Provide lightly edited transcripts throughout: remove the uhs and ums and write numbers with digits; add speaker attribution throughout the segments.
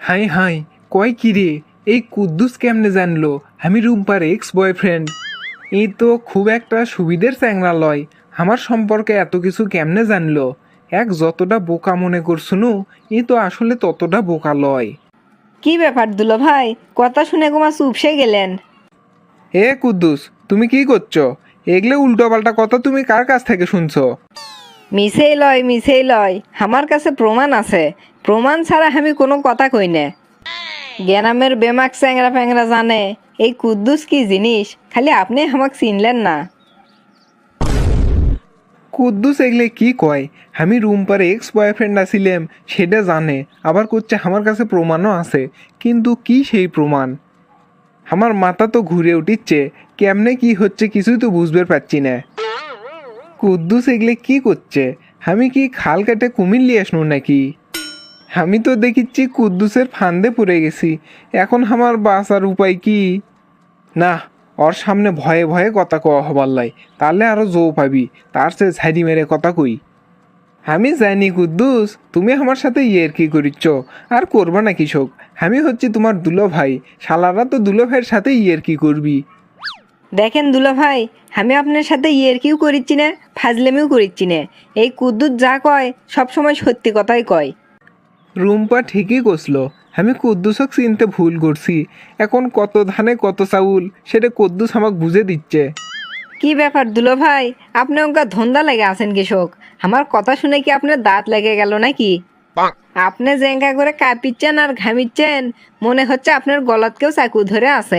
Speaker 1: High high, কয় কি রে? এই কুদ্দুস কেমনে জানলো আমি রুম্পার এক্স বয়ফ্রেন্ড? এই তো খুব একটা সুবিধের চ্যাংরা লয়। আমার সম্পর্কে এত কিছু কেমনে জানলো? এক যতটা বোকা মনে করছুনু, এই তো আসলে ততটা বোকা লয়।
Speaker 2: কি ব্যাপার দুলো ভাই, কথা শুনে গোমা চুপসে গেলেন?
Speaker 1: এ কুদ্দুস, তুমি কি করছো? এগলে উল্টো পাল্টা কথা তুমি কার কাছ থেকে শুনছো?
Speaker 2: মিছেই লয়, আমার কাছে প্রমাণ আছে। প্রমাণ ছাড়া আমি কোনো কথা কই না। গ্যানামের বেমাক চ্যাংরা ফ্যাংরা জানে এই কুদ্দুস কি জিনিস, খালি আপনি আমাকে চিনলেন না।
Speaker 1: কুদ্দুস এগলে কি কয়? আমি রুম্পার এক্স বয়ফ্রেন্ড আছিলাম সেটা জানে, আবার করছে আমার কাছে প্রমাণও আছে। কিন্তু কি সেই প্রমাণ? আমার মাথা তো ঘুরে উঠিচ্ছে, কেমনে কি হচ্ছে কিছুই তো বুঝতে পারছি না। কুদ্দুস এগলে কি করছে? আমি কি খাল কেটে কুমির নিয়ে আসনু নাকি? আমি তো দেখিচ্ছি কুদ্দুসের ফান্দে পড়ে গেছি। এখন আমার বাঁচার উপায় কি? না, ওর সামনে ভয়ে ভয়ে কথা কওয়া হবার লাই, তাহলে আরো জো পাবি। তার সে ঝাড়ি মেরে কথা কই। আমি জানি কুদ্দুস, তুমি আমার সাথে ইয়ের কি করিচ্ছ, আর করবা না কৃষক। আমি হচ্ছি তোমার দুলো ভাই, শালারা তো দুলো ভাইয়ের সাথে ইয়ের কি করবি।
Speaker 2: দেখেন দুলো ভাই, আমি আপনার সাথে কিউ করিচ্ছি না, ফাজলেমিও করিচ্ছি না। এই কুদ্দুস যা কয় সব সময় সত্যি কথাই কয়।
Speaker 1: রুম্পা ঠিকই কষলো, আমি কুদ্দুসক চিনতে ভুল করছি। এখন কত ধানে কত চাউল সেটা কুদ্দুস আমাকে বুঝে দিচ্ছে।
Speaker 2: কি ব্যাপার দুলো ভাই, আপনি ওকে ধন্দা লেগে আছেন কৃষক? আমার কথা শুনে কি আপনার দাঁত লেগে গেল নাকি? আপনি জেঙ্গা করে কাঁপিচ্ছেন আর ঘামিচ্ছেন, মনে হচ্ছে আপনার গলাত কেউ চাকু ধরে আছে।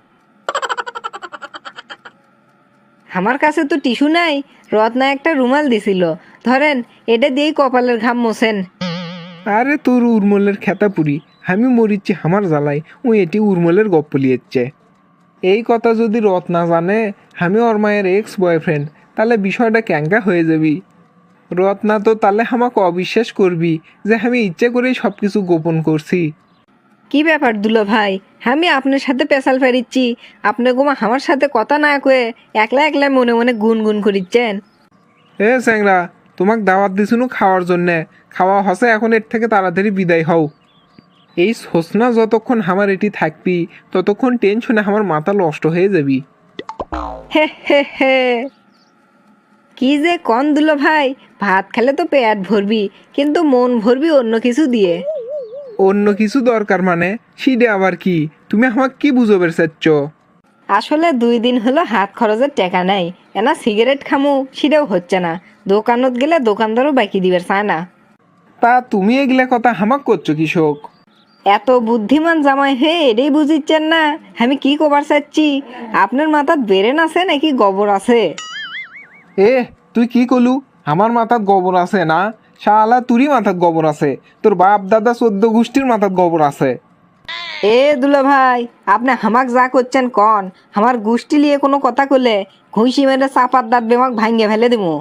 Speaker 2: আমার কাছে তো টিস্যু নাই, রত্না একটা রুমাল দিছিল, ধরেন এটা দিয়েই কপালের ঘাম মোছেন।
Speaker 1: আরে তোর উর্মলের খেতা পুরি, আমি মরিচ্ছি আমার জ্বালাই, ও এটি উর্মলের গপ্প লিয়েছে। এই কথা যদি রত না জানে আমি ওর মায়ের এক্স বয়ফ্রেন্ড, তাহলে বিষয়টা ক্যাঙ্কা হয়ে যাবি। রত্না তো তাহলে আমাকে অবিশ্বাস করবি যে আমি ইচ্ছে করেই সব কিছু গোপন করছি।
Speaker 2: কি ব্যাপার দুলো ভাই, আমি আপনার সাথে পেশাল ফেরিচ্ছি, আপনি গোমা আমার সাথে কথা না কয়ে একলা একলা মনে মনে গুনগুন করিচ্ছেন।
Speaker 1: এ স্যাংরা, তোমাক দাওয়াত দিছুনু খাওয়ার জন্যে, খাওয়া হসে, এখন এর থেকে তাড়াতাড়ি বিদায় হও। এই সোচনা যতক্ষণ আমার এটি থাকবি ততক্ষণ টেনশনে আমার মাথা নষ্ট হয়ে যাবি।
Speaker 2: হে হে হে, কি যে কন দুলো ভাই, ভাত খেলে তো পেট ভরবি, কিন্তু মন ভরবি অন্য কিছু দিয়ে।
Speaker 1: অন্য কিছু দরকার মানে? সিডে আবার কি? তুমি আমাকে কি বুঝোবের চাচ্ছ?
Speaker 2: আসলে 2 দিন হলো হাত খরচের টাকা নাই, এনা সিগারেট খামু সেটাও হচ্ছে না। দোকানত গেলে দোকানদারও বাকি দিবার চায় না।
Speaker 1: তা তুমি এগুলা কথা হামাক করছো কৃষক?
Speaker 2: এত বুদ্ধিমান জামাই হে এটাই বুঝিচ্ছেন না আমি কি কবার চাচ্ছি? আপনার মাথার ব্রেন আছে নাকি গোবর আছে?
Speaker 1: এ, তুই কি কলু? আমার মাথাত গোবর আছে না? শালা তুরই মাথাত গোবর আছে, তোর বাপ দাদা 14 গোষ্ঠীর মাথাত গোবর আছে।
Speaker 2: এ দুলা ভাই, আপনি হামাক যা করছেন কন, আমার গোষ্ঠী নিয়ে কোনো কথা কলে ঘুষি মেরে চাপার দাঁত বেমাক ভাঙ্গে ফেলে দিমু।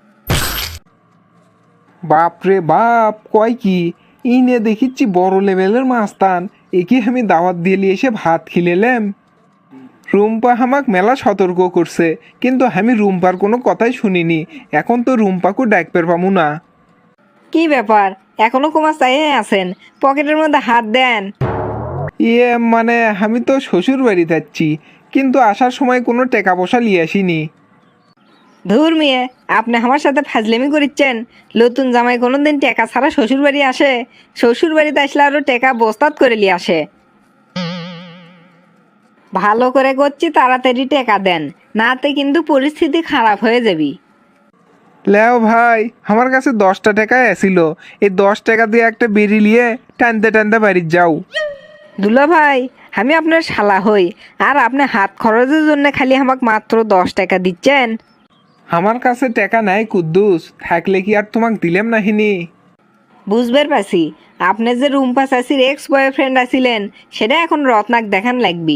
Speaker 1: বাপ রে বাপ, কয় কি? ই নিয়ে দেখিচ্ছি বড় লেভেলের মাস্তান। একে আমি দাওয়াত দিয়ে এসে ভাত খিলেলাম। রুম্পা হামাক মেলা সতর্ক করছে, কিন্তু আমি রুম্পার কোনো কথাই শুনিনি। এখন তো রুম্পাকে ডাকপের পামু না।
Speaker 2: কি ব্যাপার, এখনো কুমার চাইয়ে আছেন? পকেটের মধ্যে হাত দেন।
Speaker 1: ইয়ে মানে আমি তো শ্বশুর বাড়ি যাচ্ছি, কিন্তু আসার সময় কোনো টাকা পয়সা নিয়ে আসিনি।
Speaker 2: ধুর মিয়ে, আপনি আমার সাথে ফাজলেমি করিচ্ছেন? নতুন জামাই কোনোদিন টেকা ছাড়া শ্বশুর বাড়ি আসে? শ্বশুর বাড়িতে আসলে আরো টেকা বস্তাত করে নিয়ে আসে। ভালো করে করছি, তাড়াতাড়ি টেকা দেন, নাতে কিন্তু পরিস্থিতি খারাপ হয়ে যাবি।
Speaker 1: লেও ভাই, আমার কাছে 10টা টাকাই আসিল। এই 10 টাকা দিয়ে একটা বেরি নিয়ে টানতে টানতে বাড়ি যাও।
Speaker 2: দুলা ভাই, আমি আপনার শালা হই, আর আপনি হাত খরচের জন্য খালি আমাকে মাত্র 10 টাকা দিচ্ছেন?
Speaker 1: আমার কাছে টাকা নাই কুদ্দুস, থাকলে কি আর তোমাক দিলাম নাহিনি?
Speaker 2: বুঝবার পারছি, আপনি যে রুম্পা চাষির এক্স বয়ফ্রেন্ড আছিলেন সেটা এখন রত্নাক দেখান লাগবি।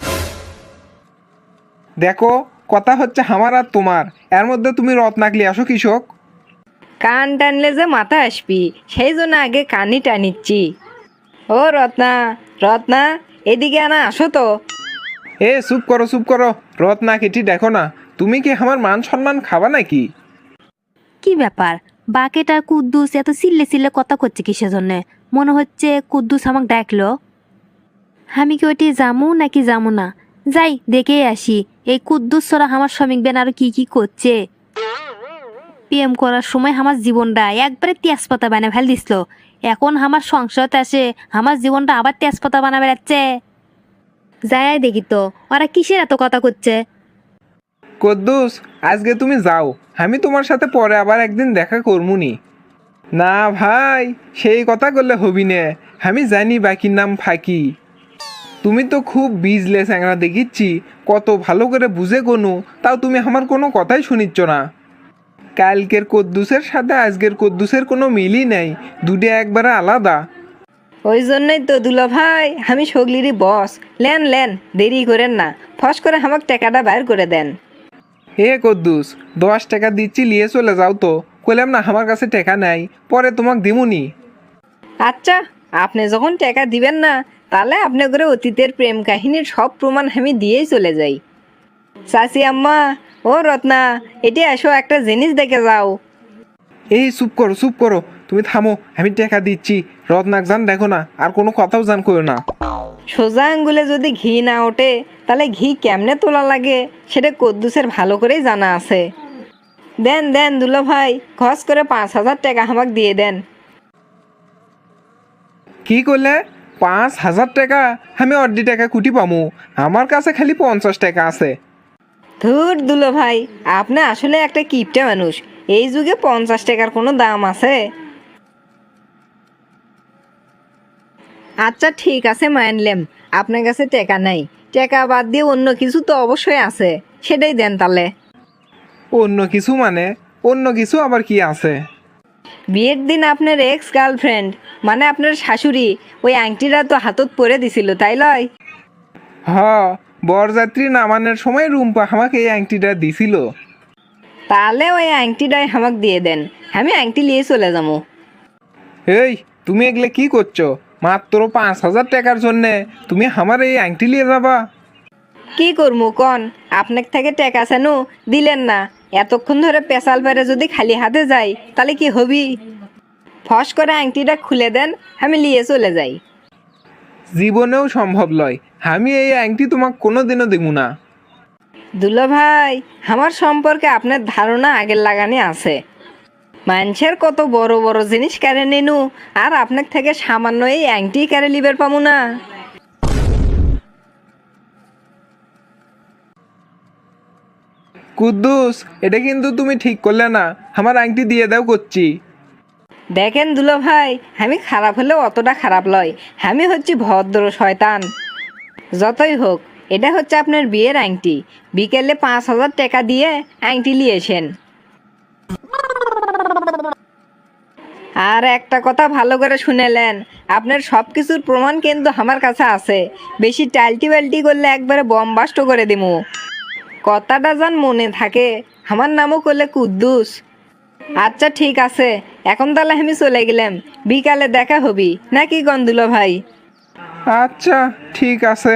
Speaker 1: দেখো, কথা হচ্ছে আমার আর তোমার, এর মধ্যে তুমি রত্নাকলি আসো কৃষক।
Speaker 2: কান টানলে যে মাথা আসবি, সেই জন্য আগে কানই টানিচ্ছি। ও রত্না, রত্না, এদিকে আনা আসো তো।
Speaker 1: এ চুপ করো চুপ করো, রত্নাক এটি দেখো না। তুমি কি আমার মান সম্মান খাবা নাকি?
Speaker 3: কি ব্যাপার, বাকেট আর কুদ্দুস এত চিল্লে চিল্লে কথা করছে কিসের জন্য? মনে হচ্ছে কুদ্দুস আমাকে ডাকলো। আমি কি ওইটি যামু নাকি যামু না? যাই দেখে আসি এই কুদ্দুস ছড়া আমার শ্রমিক বেন আরো কি কি করছে। প্রেম করার সময় আমার জীবনটা একবারে তেজপাতা বানিয়ে ফেল দিছিল, এখন আমার সংসারতে আসে আমার জীবনটা আবার তেজপাতা বানা বেড়াচ্ছে। যাই দেখি তো ওরা কিসের এত কথা করছে।
Speaker 1: কদ্দুস, আজকে তুমি যাও, আমি তোমার সাথে পরে আবার একদিন দেখা করমুনি। না ভাই, সেই কথা করলে হবি নে, আমি জানি বাকির নাম ফাঁকি। তুমি তো খুব বিজলে চ্যাংরা দেখিচ্ছি, কত ভালো করে বুঝে কোনো, তাও তুমি আমার কোনো কথাই শুনিচ্ছ না। কালকের কদ্দুসের সাথে আজকের কদ্দুসের কোনো মিলই নেই, দুটো একবারে আলাদা।
Speaker 2: ওই জন্যই তো দুলা ভাই আমি সগলিরই বস। লেন লেন, দেরি করেন না, ফস করে আমাকে টাকাটা বাইর করে দেন।
Speaker 1: হে কদ্দুস, 10 টাকা দিচ্ছি, নিয়ে চলে যাও তো। কইলাম না আমার কাছে টাকা নাই, পরে তোমাকে দিমুনি।
Speaker 2: আচ্ছা, আপনি যখন টাকা দিবেন না, তাহলে আপনি করে অতীতের প্রেম কাহিনীর সব প্রমাণ আমি দিয়েই চলে যাই। চাচি আম্মা, ও রত্না, এটি এসো, একটা জিনিস দেখে যাও।
Speaker 1: এই চুপ করো চুপ করো, তুমি থামো, আমি টাকা দিচ্ছি। রত্নাক জান দেখো না, আর কোনো কথাও জান করো না।
Speaker 2: সোজা আঙ্গুলে যদি ঘি না ওঠে, তাহলে ঘি কেমনে তোলা লাগে সেটা কদ্দুসের ভালো করেই জানা আছে। দেন দেন দুলা ভাই, খরচ করে 5,000 টাকা আমাকে দিয়ে দেন।
Speaker 1: কি করলে? 5,000 টাকা? আমি অর্ধি টাকা কুটি পামু, আমার কাছে খালি 50 টাকা আছে।
Speaker 2: ধুর দুলা ভাই, আপনি আসলে একটা কিপটে মানুষ। এই যুগে 50 টাকার কোনো দাম আছে? আচ্ছা ঠিক আছে, মানলাম আপনার কাছে টাকা নাই। টাকা বাদ দিয়ে অন্য কিছু তো অবশ্যই আছে, সেটাই দেন তাহলে।
Speaker 1: অন্য কিছু মানে? অন্য কিছু আবার কি আছে?
Speaker 2: বিয়ের দিন আপনার এক্স গার্লফ্রেন্ড, মানে আপনার শাশুড়ি, ওই আংটিটা তো হাতত পরে দিছিল, তাই লয়?
Speaker 1: হ, বরযাত্রী নামানোর সময় রুম্পা আমাকে এই আংটিটা দিছিল।
Speaker 2: তাহলে ওই আংটিটাই আমাকে দিয়ে দেন, আমি আংটি নিয়ে চলে যাবো।
Speaker 1: এই, তুমি এগুলো কি করছো? মাত্র 5,000 টাকার জন্যে তুমি আমার এই আংটি নিয়ে যাবা?
Speaker 2: কি করবো কন, আপনার থেকে টাকা চানু, দিলেন না। এতক্ষণ ধরে পেশাল পেরে যদি খালি হাতে যাই, তাহলে কি হবি? ফস করে আংটিটা খুলে দেন, আমি নিয়ে চলে যাই।
Speaker 1: জীবনেও সম্ভব লয়, আমি এই আংটি তোমাকে কোনোদিনও দেব না।
Speaker 2: দুলা ভাই, আমার সম্পর্কে আপনার ধারণা আগের লাগানে আছে। মানুষের কত বড় বড় জিনিস কেড়ে নিনু, আর আপনার থেকে সামান্য এই আংটি কেড়ে লিবের পামু না।
Speaker 1: কুদ্দুস, এটা কিন্তু তুমি ঠিক করলে না, আমার আংটি দিয়ে দাও করছি।
Speaker 2: দেখেন দুলা ভাই, আমি খারাপ হলেও অতটা খারাপ লয়, আমি হচ্ছি ভদ্র শয়তান। যতই হোক, এটা হচ্ছে আপনার বিয়ের আংটি। বিকেলে 5,000 টাকা দিয়ে আংটি নিয়েছেন। আর একটা কথা ভালো করে শুনেলেন, আপনার সব কিছুর প্রমাণ কিন্তু আমার কাছে আছে। বেশি টাল্টি বাল্টি করলে একবারে বম্বাস্ট করে দিমু। কথাটা যেন মনে থাকে, আমার নামও করলে কুদ্দুস। আচ্ছা ঠিক আছে, এখন তাহলে আমি চলে গেলাম, বিকালে দেখা হবি নাকি গন্ধুলো ভাই?
Speaker 1: আচ্ছা ঠিক আছে।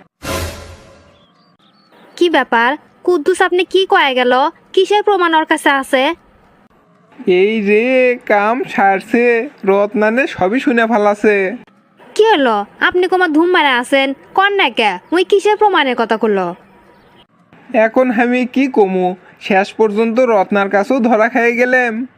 Speaker 3: কি ব্যাপার কুদ্দুস, আপনি কি কয়ে গেল? কিসের প্রমাণ ওর কাছে আছে?
Speaker 1: এই রে, কাম সারছে, রত্নানে সবই শুনে ফেলাছে।
Speaker 3: কি হলো? আপনি কোমা ধুম মারে আছেন কন না কে? ওই কিসের প্রমাণের কথা করলো?
Speaker 1: এখন আমি কি কমু, শেষ পর্যন্ত রত্নার কাছেও ধরা খেয়ে গেলাম।